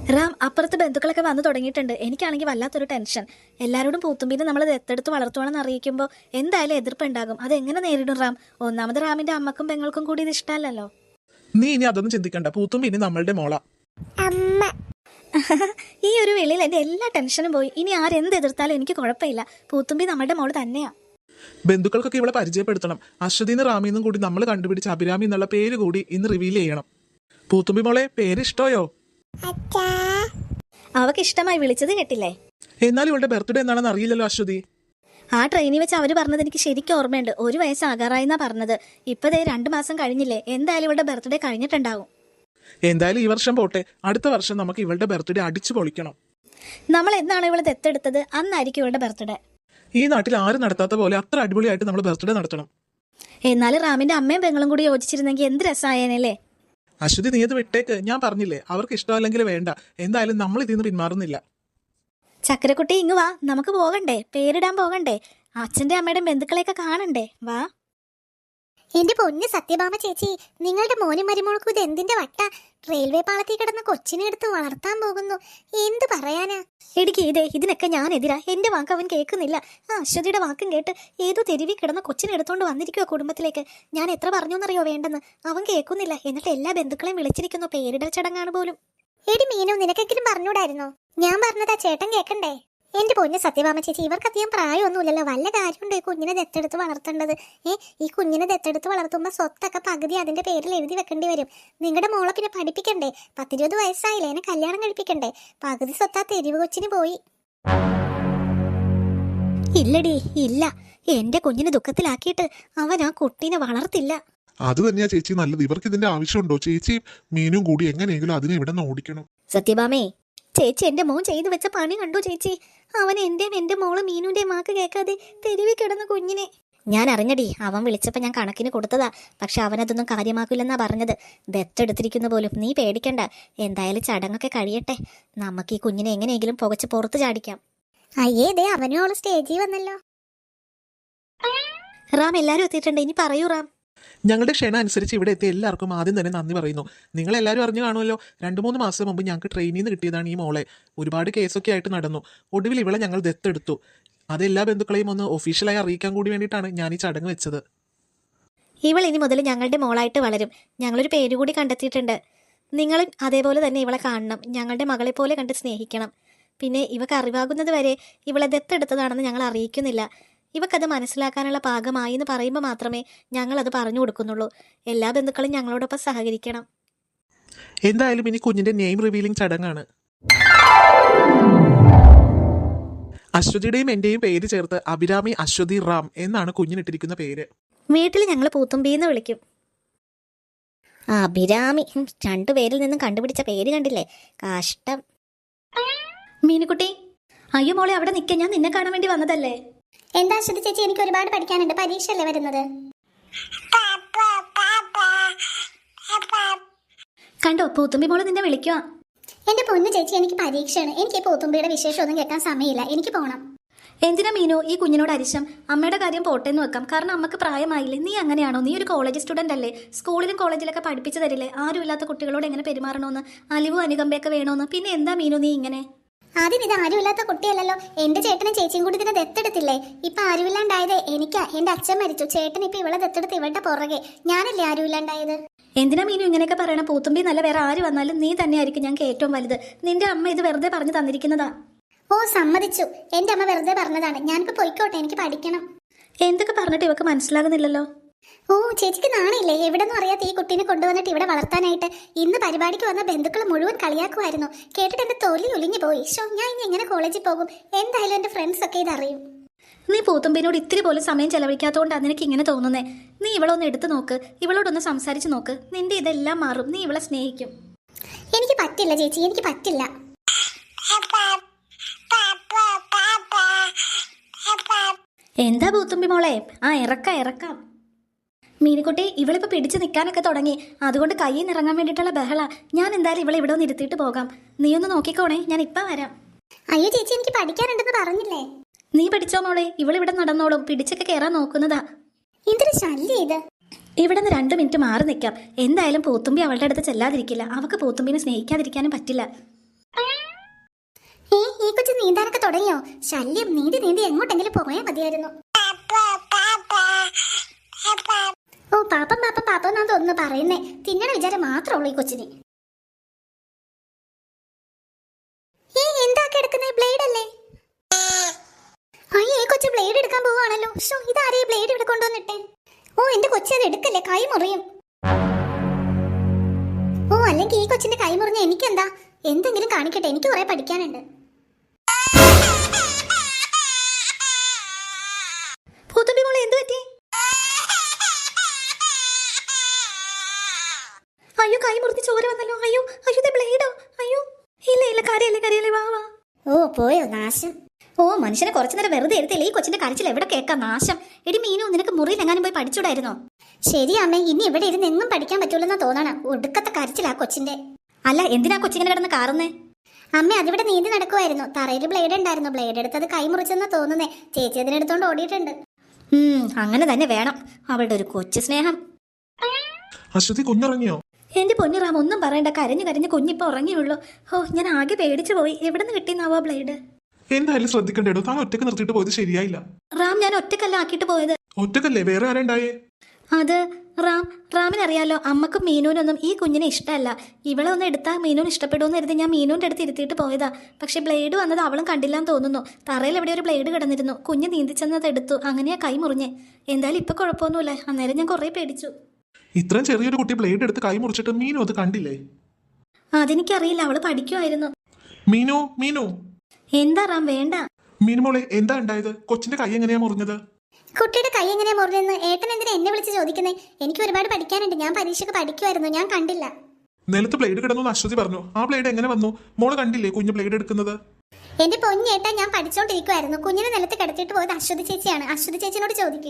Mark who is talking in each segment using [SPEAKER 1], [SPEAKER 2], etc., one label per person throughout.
[SPEAKER 1] റാം, അപ്പുറത്ത് ബന്ധുക്കളൊക്കെ വന്നു തുടങ്ങിയിട്ടുണ്ട്. എനിക്കാണെങ്കിൽ വല്ലാത്തൊരു ടെൻഷൻ. എല്ലാവരോടും പൂത്തുമ്പീനെ നമ്മൾ ദത്തെടുത്ത് വളർത്തുവാണെന്ന് അറിയിക്കുമ്പോൾ എന്തായാലും എതിർപ്പുണ്ടാകും. അതെങ്ങനെ നേരിടും റാം? ഒന്നാമത് റാമിന്റെ അമ്മക്കും പെങ്ങൾക്കും കൂടി ഇത് ഇഷ്ടമല്ലല്ലോ.
[SPEAKER 2] നീ ഇനി അതൊന്നും ചിന്തിക്കണ്ട. പൂത്തുമ്പി ഇനി നമ്മളുടെ മോള.
[SPEAKER 1] ഈ ഒരു വേളയിൽ എന്റെ എല്ലാ ടെൻഷനും പോയി. ഇനി ആരെന്ത് എതിർത്താലും എനിക്ക് കുഴപ്പമില്ല. പൂത്തുമ്പി നമ്മുടെ മോള് തന്നെയാ.
[SPEAKER 2] ബന്ധുക്കൾക്കൊക്കെ ഇവളെ പരിചയപ്പെടുത്തണം. അശ്വതിന്ന് റാമിന്നും കൂടി നമ്മൾ കണ്ടുപിടിച്ച അഭിരാമി എന്നുള്ള പേര് കൂടി ഇന്ന് റിവീൽ ചെയ്യണം. പൂത്തുമ്പി മോളെ, പേര് ഇഷ്ടോയോ?
[SPEAKER 1] അവക്ക് ഇഷ്ടമായി വിളിച്ചത് കേട്ടില്ലേ?
[SPEAKER 2] എന്നാൽ ഇവളുടെ ബർത്ത്ഡേ എന്താണെന്ന് അറിയില്ലല്ലോ അശ്വതി.
[SPEAKER 1] ആ ട്രെയിനിൽ വെച്ച് അവര് പറഞ്ഞത് എനിക്ക് ശരിക്കും ഓർമ്മയുണ്ട്. 1 വയസ്സാകാറായിന്നാ പറഞ്ഞത്. ഇപ്പതേ 2 മാസം കഴിഞ്ഞില്ലേ. എന്തായാലും ഇവളുടെ ബർത്ത്ഡേ കഴിഞ്ഞിട്ടുണ്ടാവും.
[SPEAKER 2] എന്തായാലും ഈ വർഷം പോട്ടെ, അടുത്ത വർഷം നമുക്ക് ഇവളുടെ ബർത്ത്ഡേ അടിച്ചു പൊളിക്കണം.
[SPEAKER 1] നമ്മൾ എന്നാണ് ഇവളെ ദത്തെടുത്തത് അന്നായിരിക്കും ഇവളുടെ ബർത്ത്ഡേ.
[SPEAKER 2] ഈ നാട്ടിൽ ആരും നടത്താത്ത പോലെ അത്ര അടിപൊളിയായിട്ട് നമ്മൾ ബർത്ത്ഡേ നടത്തണം.
[SPEAKER 1] എന്നാലും റാമിന്റെ അമ്മയും പെങ്ങളും കൂടി യോജിച്ചിരുന്നെങ്കിൽ എന്ത് രസമായേനല്ലേ.
[SPEAKER 2] അശ്വതി, നീ അത് വിട്ടേക്ക്. ഞാൻ പറഞ്ഞില്ലേ, അവർക്ക് ഇഷ്ടമല്ലെങ്കിൽ വേണ്ട. എന്തായാലും നമ്മൾ ഇതിന്ന് പിന്മാറുന്നില്ല.
[SPEAKER 1] ചക്കരക്കുട്ടി, ഇങ്ങ് വാ, നമുക്ക് പോകണ്ടേ? പേരിടാൻ പോകണ്ടേ? അച്ഛന്റെ അമ്മയുടെ ബന്ധുക്കളെയൊക്കെ കാണണ്ടേ? വാ.
[SPEAKER 3] എന്റെ പൊന്ന് സത്യഭാമ ചേച്ചി, നിങ്ങളുടെ മോനും മരുമോൾക്കും ഇത് എന്തിന്റെ വട്ട? റെയിൽവേ പാളത്തിൽ കിടന്ന കൊച്ചിനെ എടുത്ത് വളർത്താൻ പോകുന്നു. എന്ത് പറയാനാ?
[SPEAKER 1] ഇടുക്കി ഇതേ, ഇതിനൊക്കെ ഞാൻ എതിരാ. എന്റെ വാക്ക് അവൻ കേൾക്കുന്നില്ല. ആ അശ്വതിയുടെ വാക്കും കേട്ട് ഏതോ തെരുവിൽ കിടന്ന കൊച്ചിനെ എടുത്തോണ്ട് വന്നിരിക്കുവോ കുടുംബത്തിലേക്ക്. ഞാൻ എത്ര പറഞ്ഞോന്നറിയോ വേണ്ടെന്ന്. അവൻ കേൾക്കുന്നില്ല. എന്നിട്ട് എല്ലാ ബന്ധുക്കളെയും വിളിച്ചിരിക്കുന്നു. പേരിടൽ ചടങ്ങാണ് പോലും.
[SPEAKER 3] എടി മീനു, നിനക്കെങ്കിലും പറഞ്ഞൂടായിരുന്നോ? ഞാൻ പറഞ്ഞതാ ചേട്ടൻ കേക്കണ്ടേ? എന്റെ പൊന്ന് സത്യഭാമ ചേച്ചി, ഇവർക്ക് അധികം പ്രായമൊന്നുമില്ലല്ലോ. വല്ല കാര്യമുണ്ടോ ഈ കുഞ്ഞിനെ ദത്തെടുത്ത് വളർത്തേണ്ടത്? ഈ കുഞ്ഞിനെ ദത്തെടുത്ത് വളർത്തുമ്പോൾ സ്വത്തൊക്കെ പകുതി അതിന്റെ പേരിൽ എഴുതി വെക്കേണ്ടി വരും. നിങ്ങളുടെ മോളെ പിന്നെ പഠിപ്പിക്കണ്ടേ? 10-20 വയസ്സായില്ലേ, എന്നെ കല്യാണം കഴിപ്പിക്കണ്ടേ? പകുതി സ്വത്താ തെരുവ് കൊച്ചിന് പോയി.
[SPEAKER 1] ഇല്ലടി, ഇല്ല. എന്റെ കുഞ്ഞിനെ ദുഃഖത്തിലാക്കിയിട്ട് അവൻ ആ കുട്ടീനെ വളർത്തില്ല.
[SPEAKER 4] അത് തന്നെയാ ചേച്ചി നല്ലത്. ഇവർക്ക് ഇതിന്റെ ആവശ്യമുണ്ടോ? ചേച്ചിയും മീനും കൂടി എങ്ങനെയെങ്കിലും അതിനെ ഇവിടെ നിന്ന് ഓടിക്കണം.
[SPEAKER 1] സത്യഭാമേ, ചേച്ചി എന്റെ മോൻ ചെയ്തു വെച്ച പണി കണ്ടു ചേച്ചി. അവൻ എന്റെ മോള് മീനുന്റെയും വാക്ക് കേൾക്കാതെ തെരുവിൽ കിടന്ന കുഞ്ഞിനെ. ഞാൻ അറിഞ്ഞടി. അവൻ വിളിച്ചപ്പോൾ ഞാൻ കണക്കിന് കൊടുത്തതാ. പക്ഷെ അവനതൊന്നും കാര്യമാക്കില്ലെന്നാ പറഞ്ഞത്. ദത്തെടുത്തിരിക്കുന്ന പോലും. നീ പേടിക്കണ്ട. എന്തായാലും ചടങ്ങൊക്കെ കഴിയട്ടെ. നമുക്ക് ഈ കുഞ്ഞിനെ എങ്ങനെയെങ്കിലും പുകച്ച് പുറത്ത് ചാടിക്കാം.
[SPEAKER 3] അയ്യേ, ദേ അവനും അവള് സ്റ്റേജിൽ വന്നല്ലോ.
[SPEAKER 1] റാം, എല്ലാരും എത്തിയിട്ടുണ്ട്. ഇനി പറയൂ റാം.
[SPEAKER 2] ഞങ്ങളുടെ ക്ഷണം അനുസരിച്ച് ഇവിടെ എത്തിയ എല്ലാവർക്കും ആദ്യം തന്നെ നന്ദി പറയുന്നു. നിങ്ങളെല്ലാവരും അറിഞ്ഞു കാണുമല്ലോ, 2-3 മാസം മുമ്പ് ഞങ്ങൾക്ക് ട്രെയിനിൽ നിന്ന് കിട്ടിയതാണ് ഈ മോളെ. ഒരുപാട് കേസൊക്കെ ആയിട്ട് നടന്നു. ഒടുവിൽ ഇവളെ ഞങ്ങൾ ദത്തെടുത്തു. അതെല്ലാ ബന്ധുക്കളെയും ഒന്ന് ഒഫീഷ്യലായി അറിയിക്കാൻ കൂടി വേണ്ടിയിട്ടാണ് ഞാൻ ഈ ചടങ്ങ് വെച്ചത്.
[SPEAKER 1] ഇവൾ ഇനി മുതൽ ഞങ്ങളുടെ മോളായിട്ട് വളരും. ഞങ്ങളൊരു പേര് കൂടി കണ്ടെത്തിയിട്ടുണ്ട്. നിങ്ങളും അതേപോലെ തന്നെ ഇവളെ കാണണം. ഞങ്ങളുടെ മകളെ പോലെ കണ്ട് സ്നേഹിക്കണം. പിന്നെ ഇവക്ക് അറിവാകുന്നത് വരെ ഇവളെ ദത്തെടുത്തതാണെന്ന് ഞങ്ങൾ അറിയിക്കുന്നില്ല. ഇവക്കത് മനസ്സിലാക്കാനുള്ള പാകമായി എന്ന് പറയുമ്പോൾ മാത്രമേ ഞങ്ങളത് പറഞ്ഞു കൊടുക്കുന്നുള്ളൂ. എല്ലാ ബന്ധുക്കളും ഞങ്ങളോടൊപ്പം സഹകരിക്കണം.
[SPEAKER 2] എന്തായാലും ഇനി കുഞ്ഞിന്റെ നെയിം റിവീലിംഗ് ചടങ്ങാണ്. അശ്വതിയുടെയും എന്റെയും പേര് ചേർത്ത് അഭിരാമി അശ്വതി റാം എന്നാണ് കുഞ്ഞിനിട്ടിരിക്കുന്ന പേര്.
[SPEAKER 1] വീട്ടിൽ ഞങ്ങൾ പൂത്തുമ്പീന്ന് വിളിക്കും. അഭിരാമി. 2 പേരിൽ നിന്നും കണ്ടുപിടിച്ച പേര് കണ്ടില്ലേ? കഷ്ടം. മീനുകുട്ടി, അയ്യോ മോളെ, അവിടെ നിൽക്കാൻ. ഞാൻ നിന്നെ കാണാൻ വേണ്ടി വന്നതല്ലേ.
[SPEAKER 3] എന്താ അശ്വതി ചേച്ചി, എനിക്ക് ഒരുപാട് പഠിക്കാനുണ്ട്. പരീക്ഷയല്ലേ വരുന്നത്.
[SPEAKER 1] കണ്ടോ, പൂത്തുമ്പി മോള് നിന്നെ വിളിക്കുക.
[SPEAKER 3] എന്റെ പൊന്നു ചേച്ചി, എനിക്ക് പരീക്ഷയാണ്. എനിക്ക് പൂത്തുമ്പിയുടെ വിശേഷമൊന്നും കേൾക്കാൻ സമയമില്ല. എനിക്ക് പോകണം.
[SPEAKER 1] എന്തിനാ മീനു ഈ കുഞ്ഞിനോട് അരിശം? അമ്മയുടെ കാര്യം പോട്ടേന്ന് വെക്കാം. കാരണം അമ്മക്ക് പ്രായമായില്ലേ. നീ അങ്ങനെയാണോ? നീ ഒരു കോളേജ് സ്റ്റുഡന്റ് അല്ലേ? സ്കൂളിലും കോളേജിലൊക്കെ പഠിപ്പിച്ചു തരില്ലേ ആരുമില്ലാത്ത കുട്ടികളോട് എങ്ങനെ പെരുമാറണമെന്ന്, അലിവും അനുകമ്പയൊക്കെ വേണമെന്ന്. പിന്നെ എന്താ മീനു നീ ഇങ്ങനെ?
[SPEAKER 3] ആദ്യം ഇത് ആരുമില്ലാത്ത കുട്ടിയല്ലല്ലോ. എന്റെ ചേട്ടനും ചേച്ചിയും കൂടി ഇതിനെ ദത്തെടുത്തില്ലേ? ഇപ്പൊ ആരുമില്ലാണ്ടായത് എനിക്കാ. എന്റെ അച്ഛൻ മരിച്ചു. ചേട്ടൻ ഇപ്പൊ ഇവളെ ദത്തെടുത്ത് ഇവളുടെ പുറകെ. ഞാനല്ലേ ആരുമില്ലാണ്ടായത്.
[SPEAKER 1] എന്തിനാ മീനു ഇങ്ങനെയൊക്കെ പറയണ? പൂത്തുമ്പി നല്ല വേറെ ആര് വന്നാലും നീ തന്നെയായിരിക്കും ഞങ്ങൾക്ക് ഏറ്റവും വലുത്. നിന്റെ അമ്മ ഇത് വെറുതെ പറഞ്ഞു തന്നിരിക്കുന്നതാ.
[SPEAKER 3] ഓ, സമ്മതിച്ചു. എന്റെ അമ്മ വെറുതെ പറഞ്ഞതാണ്. ഞാനിപ്പോ പോയിക്കോട്ടെ, എനിക്ക് പഠിക്കണം.
[SPEAKER 1] എന്തൊക്കെ പറഞ്ഞിട്ട് ഇവക്ക് മനസ്സിലാകുന്നില്ലല്ലോ.
[SPEAKER 3] ഓ, ചേച്ചിക്ക് നാണില്ലേ? എവിടെന്നും അറിയാത്ത ഈ കുട്ടീനെ കൊണ്ടുവന്നിട്ട് ഇവിടെ വളർത്താനായിട്ട്. ഇന്ന് പരിപാടിക്ക് വന്ന ബന്ധുക്കൾ മുഴുവൻ കളിയാക്കുമായിരുന്നു. കേട്ടിട്ട് എന്റെ തൊലി ഒലിഞ്ഞു പോയി. ഞാൻ ഇനി എങ്ങനെ കോളേജിൽ പോകും? എന്തായാലും എന്റെ ഫ്രണ്ട്സ് ഒക്കെ ഇതറിയും.
[SPEAKER 1] നീ പൂത്തുമ്പിനോട് ഇത്തിരി പോലും സമയം ചെലവഴിക്കാത്തതുകൊണ്ടാണ് നിനക്ക് ഇങ്ങനെ തോന്നുന്നേ. നീ ഇവളൊന്ന് എടുത്തു നോക്ക്. ഇവളോടൊന്ന് സംസാരിച്ച് നോക്ക്. നിന്റെ ഇതെല്ലാം മാറും. നീ ഇവളെ സ്നേഹിക്കും.
[SPEAKER 3] എനിക്ക് പറ്റില്ല ചേച്ചി, എനിക്ക് പറ്റില്ല.
[SPEAKER 1] എന്താ പൂത്തുമ്പി മോളെ? ആ, ഇറക്കാം. മീനുകുട്ടി, ഇവളിപ്പോ പിടിച്ചു നിൽക്കാനൊക്കെ തുടങ്ങി. അതുകൊണ്ട് കയ്യിൽ നിന്ന് ഇറങ്ങാൻ വേണ്ടിയിട്ടുള്ള ബഹള. ഞാൻ എന്തായാലും ഇവളെ ഇവിടെ ഒന്ന് ഇരുത്തിയിട്ട് പോകാം. നീ ഒന്ന് നോക്കിക്കോണേ, ഞാൻ ഇപ്പൊ വരാം.
[SPEAKER 3] അയ്യോ ചേച്ചി, എനിക്ക് പഠിക്കാനുണ്ടെന്ന് പറഞ്ഞില്ലേ?
[SPEAKER 1] നീ പഠിച്ചോ മോളെ. ഇവളിവിടെ നടന്നോളും. പിടിച്ചൊക്കെ കയറാൻ നോക്കുന്നതാ.
[SPEAKER 3] എന്തൊരു ശല്യം ഇത്.
[SPEAKER 1] ഇവിടെ നിന്ന് 2 മിനിറ്റ് മാറി നിൽക്കാം. എന്തായാലും പൂത്തുമ്പി അവളുടെ അടുത്ത് ചെല്ലാതിരിക്കില്ല. അവൾക്ക് പൂത്തുമ്പിനെ സ്നേഹിക്കാതിരിക്കാനും പറ്റില്ല.
[SPEAKER 3] കൊച്ചു നീന്താനൊക്കെ തുടങ്ങിയോ? ശല്യം, നീന്തി നീന്തി എങ്ങോട്ടെങ്കിലും പോയാൽ മതിയായിരുന്നു. ഓ പാപ്പം പാപ്പം പാപ്പം എന്നാ തോന്നുന്നു പറയുന്നേ. തിന്നണ വിചാരം മാത്രമേ ഉള്ളൂ ഈ കൊച്ചിന്. എന്താക്കി എടുക്കുന്നേ? ബ്ലേഡ് അല്ലേ? അയ്യേ, കൊച്ചു ബ്ലേഡ് എടുക്കാൻ പോവാണല്ലോ. ഷോ, ഇതാരേ ബ്ലേഡ് ഇവിടെ കൊണ്ടുവന്നിട്ടെ? ഓ എന്റെ കൊച്ചു അത് എടുക്കല്ലേ, കൈ മുറിയും. ഓ അല്ലെങ്കിൽ ഈ കൊച്ചിന്റെ കൈ മുറിഞ്ഞ എനിക്കെന്താ? എന്തെങ്കിലും കാണിക്കട്ടെ, എനിക്ക് കുറെ പഠിക്കാനുണ്ട്.
[SPEAKER 1] പൂത്തുമ്പി മോളെ എന്ത് പറ്റി? അയ്യോ, കൈ മുറിഞ്ഞ് ചോര വന്നല്ലോ. അയ്യോ അയ്യോ, ബ്ലേഡോ? അയ്യോ ഇല്ല ഇല്ല, കരയല്ലേ വാ വാ.
[SPEAKER 3] ഓ പോയോ നാശം.
[SPEAKER 1] ഓ മനുഷ്യനെ കുറച്ചു നേരം വെറുതെ എടുത്തില്ലേ? ഈ കൊച്ചിന്റെ കരച്ചിൽ എവിടെ കേൾക്കാം? നാശം. എടി മീനു, നിനക്ക് മുറിയിൽ എങ്ങാനും പോയി പഠിച്ചൂടായിരുന്നോ?
[SPEAKER 3] ശരി അമ്മേ, ഇനി ഇവിടെ ഇരുന്ന് എങ്ങും പഠിക്കാൻ പറ്റൂലെന്നാ തോന്നണം. ഒടുക്കത്തെ കരച്ചിലാ കൊച്ചിന്റെ.
[SPEAKER 1] അല്ല, എന്തിനാ കൊച്ചിങ്ങനെ കിടന്ന് കാറുന്നേ?
[SPEAKER 3] അമ്മ അതിവിടെ നീന്തി നടക്കുമായിരുന്നു. തറയിൽ ബ്ലേഡ് ഉണ്ടായിരുന്നു. ബ്ലേഡ് എടുത്തത് കൈ മുറിച്ചെന്നാ തോന്നുന്നേ. ചേച്ചി അതിനെടുത്തോണ്ട് ഓടിയിട്ടുണ്ട്.
[SPEAKER 1] അങ്ങനെ തന്നെ വേണം. അവളുടെ ഒരു കൊച്ചു സ്നേഹം.
[SPEAKER 2] അശ്വതി കുഞ്ഞുറങ്ങിയോ?
[SPEAKER 1] എന്റെ പൊന്നു റാം, ഒന്നും പറയണ്ട. കരഞ്ഞ് കുഞ്ഞിപ്പോ ഉറങ്ങിയുള്ളൂ. ഓ, ഞാൻ ആകെ പേടിച്ചു പോയി. എവിടെ നിന്ന് കിട്ടിയെന്നാവോ ബ്ലേഡ്?
[SPEAKER 2] എന്തായാലും ശ്രദ്ധിക്കണ്ടേടോ, താൻ ഒറ്റക്ക് നിർത്തിയിട്ട് പോയത് ശരിയായില്ല.
[SPEAKER 1] റാം, ഞാൻ ഒറ്റക്കല്ല ആക്കിയിട്ട് പോയത്.
[SPEAKER 2] ഒറ്റക്കല്ലേ? വേറെ ആരുണ്ടായേ?
[SPEAKER 1] അത് റാമിനറിയാലോ, അമ്മക്കും മീനൂനൊന്നും ഈ കുഞ്ഞിനെ ഇഷ്ടമല്ല. ഇവളെ ഒന്ന് എടുത്താൽ മീനൂന് ഇഷ്ടപ്പെടുമെന്ന് കരുതി ഞാൻ മീനൂൻ്റെ അടുത്ത് ഇരുത്തിയിട്ട് പോയതാ. പക്ഷെ ബ്ലേഡ് വന്നത് അവളും കണ്ടില്ലാന്ന് തോന്നുന്നു. തറയിൽ എവിടെ ഒരു ബ്ലേഡ് കിടന്നിരുന്നു. കുഞ്ഞ് നീന്തിച്ചെന്നത് എടുത്തു. അങ്ങനെയാ കൈ മുറിഞ്ഞേ. എന്തായാലും ഇപ്പൊ കുഴപ്പമൊന്നുമില്ല. അന്നേരം ഞാൻ കുറേ പേടിച്ചു.
[SPEAKER 2] ഇത്രയും ചെറിയൊരു കുട്ടി ബ്ലേഡ് എടുത്ത് കൈ മുറിച്ചിട്ട് മീനു അത് കണ്ടില്ലേ?
[SPEAKER 1] അതെനിക്കറിയില്ല. അവള് പഠിക്കുമായിരുന്നു.
[SPEAKER 2] മീനു മീനു
[SPEAKER 1] എന്താ റാം? വേണ്ട.
[SPEAKER 2] മീനു മോളെ, എന്താ ഉണ്ടായത്? കൊച്ചിന്റെ കൈ എങ്ങനെയാ മുറിഞ്ഞത്?
[SPEAKER 3] കുട്ടിയുടെ കൈ എങ്ങനെയാ മുറിഞ്ഞെന്ന് ഏട്ടൻ എന്തിനാ എന്നെ വിളിച്ച് ചോദിക്കുന്നേ? എനിക്ക് ഒരുപാട് പഠിക്കാനുണ്ട്. ഞാൻ പരീക്ഷയ്ക്ക് പഠിക്കുമായിരുന്നു. ഞാൻ കണ്ടില്ല.
[SPEAKER 2] നിലത്ത് ബ്ലേഡ് കിടന്നു അശ്വതി പറഞ്ഞു. ആ ബ്ലേഡ് എങ്ങനെ വന്നു? മോള് കണ്ടില്ലേ കുഞ്ഞ് ബ്ലേഡ് എടുക്കുന്നത്?
[SPEAKER 3] എന്റെ പൊന്നേട്ടാ, ഞാൻ പഠിച്ചോണ്ടിരിക്കുവായിരുന്നു. കുഞ്ഞിനെ നിലത്ത് കിടത്തിയിട്ട് പോയത് അശ്വതി ചേച്ചിയാണ്. അശ്വതി ചേച്ചിനോട് ചോദിക്കേ.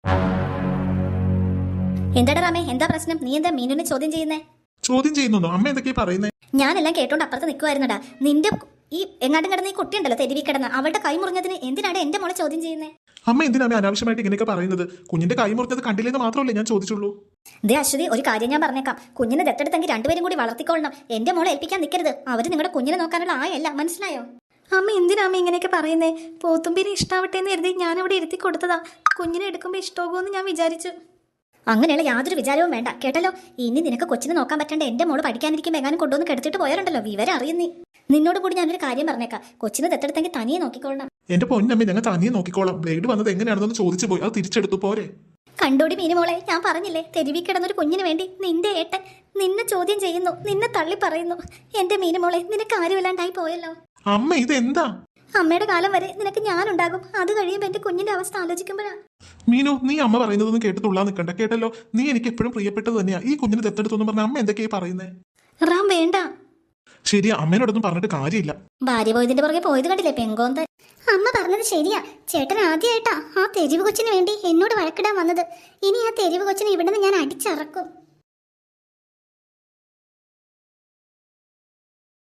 [SPEAKER 1] എന്താടാ റാമേ, എന്താ പ്രശ്നം? നീ എന്താ മീനുനെ ചോദ്യം ചെയ്യുന്നേ?
[SPEAKER 2] ചോദ്യം ചെയ്യുന്നു? അമ്മ എന്തൊക്കെയാ പറയുന്നേ?
[SPEAKER 1] ഞാനെല്ലാം കേട്ടോണ്ട് അപ്പുറത്ത് നിൽക്കുമായിരുന്നടാ. നിന്റെ ഈ എങ്ങാണ്ടും കിടന്ന ഈ കുട്ടിയുണ്ടല്ലോ, തെരുവി കിടന്ന്, അവളുടെ കൈ മുറിഞ്ഞതിന് എന്തിനാണ് എന്റെ മോളെ ചോദ്യം ചെയ്യുന്നേ?
[SPEAKER 2] അമ്മ എന്തിനാ അനാവശ്യമായിട്ട് ഇങ്ങനെയൊക്കെ പറയുന്നത്? കുഞ്ഞിന്റെ കൈ മുറിഞ്ഞത് കണ്ടില്ലെന്ന് മാത്രമല്ലേ ഞാൻ ചോദിച്ചുള്ളൂ.
[SPEAKER 1] ദേ അശ്വതി, ഒരു കാര്യം ഞാൻ പറഞ്ഞേക്കാം. കുഞ്ഞിനെ ദത്തെടുത്തെങ്കിൽ രണ്ടുപേരും കൂടി വളർത്തിക്കൊള്ളണം. എന്റെ മോളെ ഏൽപ്പിക്കാൻ നിൽക്കരുത്. അവര് നിങ്ങളുടെ കുഞ്ഞിനെ നോക്കാനുള്ള ആയല്ല, മനസ്സിലായോ? അമ്മ എന്തിനാ അമ്മ ഇങ്ങനെയൊക്കെ പറയുന്നേ? പോത്തുമ്പിനെ ഇഷ്ടാവട്ടെ എന്ന് കരുതി ഞാൻ അവിടെ ഇരുത്തി കൊടുത്തതാ. കുഞ്ഞിനെ എടുക്കുമ്പോൾ ഇഷ്ടമാകുമെന്ന് ഞാൻ വിചാരിച്ചു. അങ്ങനെയുള്ള യാതൊരു വിചാരവും വേണ്ട, കേട്ടല്ലോ. ഇനി നിനക്ക് കൊച്ചിനെ നോക്കാൻ പറ്റേണ്ട എന്റെ മോള് പഠിക്കാനിരിക്കും എങ്ങാനും കൊണ്ടുവന്ന് കെടുത്തിട്ട് പോയാലുണ്ടല്ലോ, വിവരം അറിയുന്നേ. നിന്നോട് കൂടി ഞാനൊരു കാര്യം പറഞ്ഞേക്കാം. കൊച്ചിനെ ദത്തെടുത്തെങ്കിൽ തനിയെ നോക്കിക്കൊള്ളണം.
[SPEAKER 2] എന്റെ പൊന്നമ്മ, ഞങ്ങൾ തനിയെ നോക്കിക്കോളാം. ബ്ലേഡ് വന്നത് എങ്ങനെയാണെന്ന് ചോദിച്ചു പോയി. അത് തിരിച്ചെടുത്തു പോരെ?
[SPEAKER 1] കണ്ടോടി മീനുമോളെ, ഞാൻ പറഞ്ഞില്ലേ, തെരുവി കിടന്നൊരു കുഞ്ഞിന് വേണ്ടി നിന്റെ ഏട്ടൻ നിന്നെ ചോദ്യം ചെയ്യുന്നു, നിന്നെ തള്ളി പറയുന്നു. എന്റെ മീനുമോളെ, നിനക്ക് ആരുമില്ലാണ്ടായി പോയല്ലോ.
[SPEAKER 2] അമ്മ ഇതെന്താ?
[SPEAKER 1] അമ്മയുടെ കാലം വരെ നിനക്ക് ഞാനുണ്ടാകും. അത് കഴിയുമ്പോൾ എന്റെ കുഞ്ഞിന്റെ അവസ്ഥ ആലോചിക്കുമ്പോഴാ.
[SPEAKER 2] മീനു, നീ അമ്മ പറയുന്നതൊന്നും കേട്ട് തുള്ളാൻ നിൽക്കണ്ട, കേട്ടല്ലോ. നീ എനിക്ക് എപ്പോഴും പ്രിയപ്പെട്ടത് തന്നെയാ. ഈ കുഞ്ഞിനെ ദത്തെടുത്തൊന്നും പറഞ്ഞ അമ്മ എന്തൊക്കെയാ പറയുന്നേ?
[SPEAKER 1] റാം വേണ്ട.
[SPEAKER 2] ശരിയാ, അമ്മേനോടൊന്നും പറഞ്ഞിട്ട് കാര്യമില്ല.
[SPEAKER 1] ഭാര്യ പോയതിന്റെ പുറകെ പോയത് കണ്ടില്ലേ, പെങ്കോന്ത.
[SPEAKER 3] അമ്മ പറഞ്ഞത് ശരിയാ. ചേട്ടൻ ആദ്യമായിട്ടാ ആ തെരുവ് കൊച്ചിന് വേണ്ടി എന്നോട് വഴക്കിടാൻ വന്നത്. ഇനി ആ തെരുവ് കൊച്ചിനെ ഇവിടെ നിന്ന് ഞാൻ അടിച്ചിറക്കും.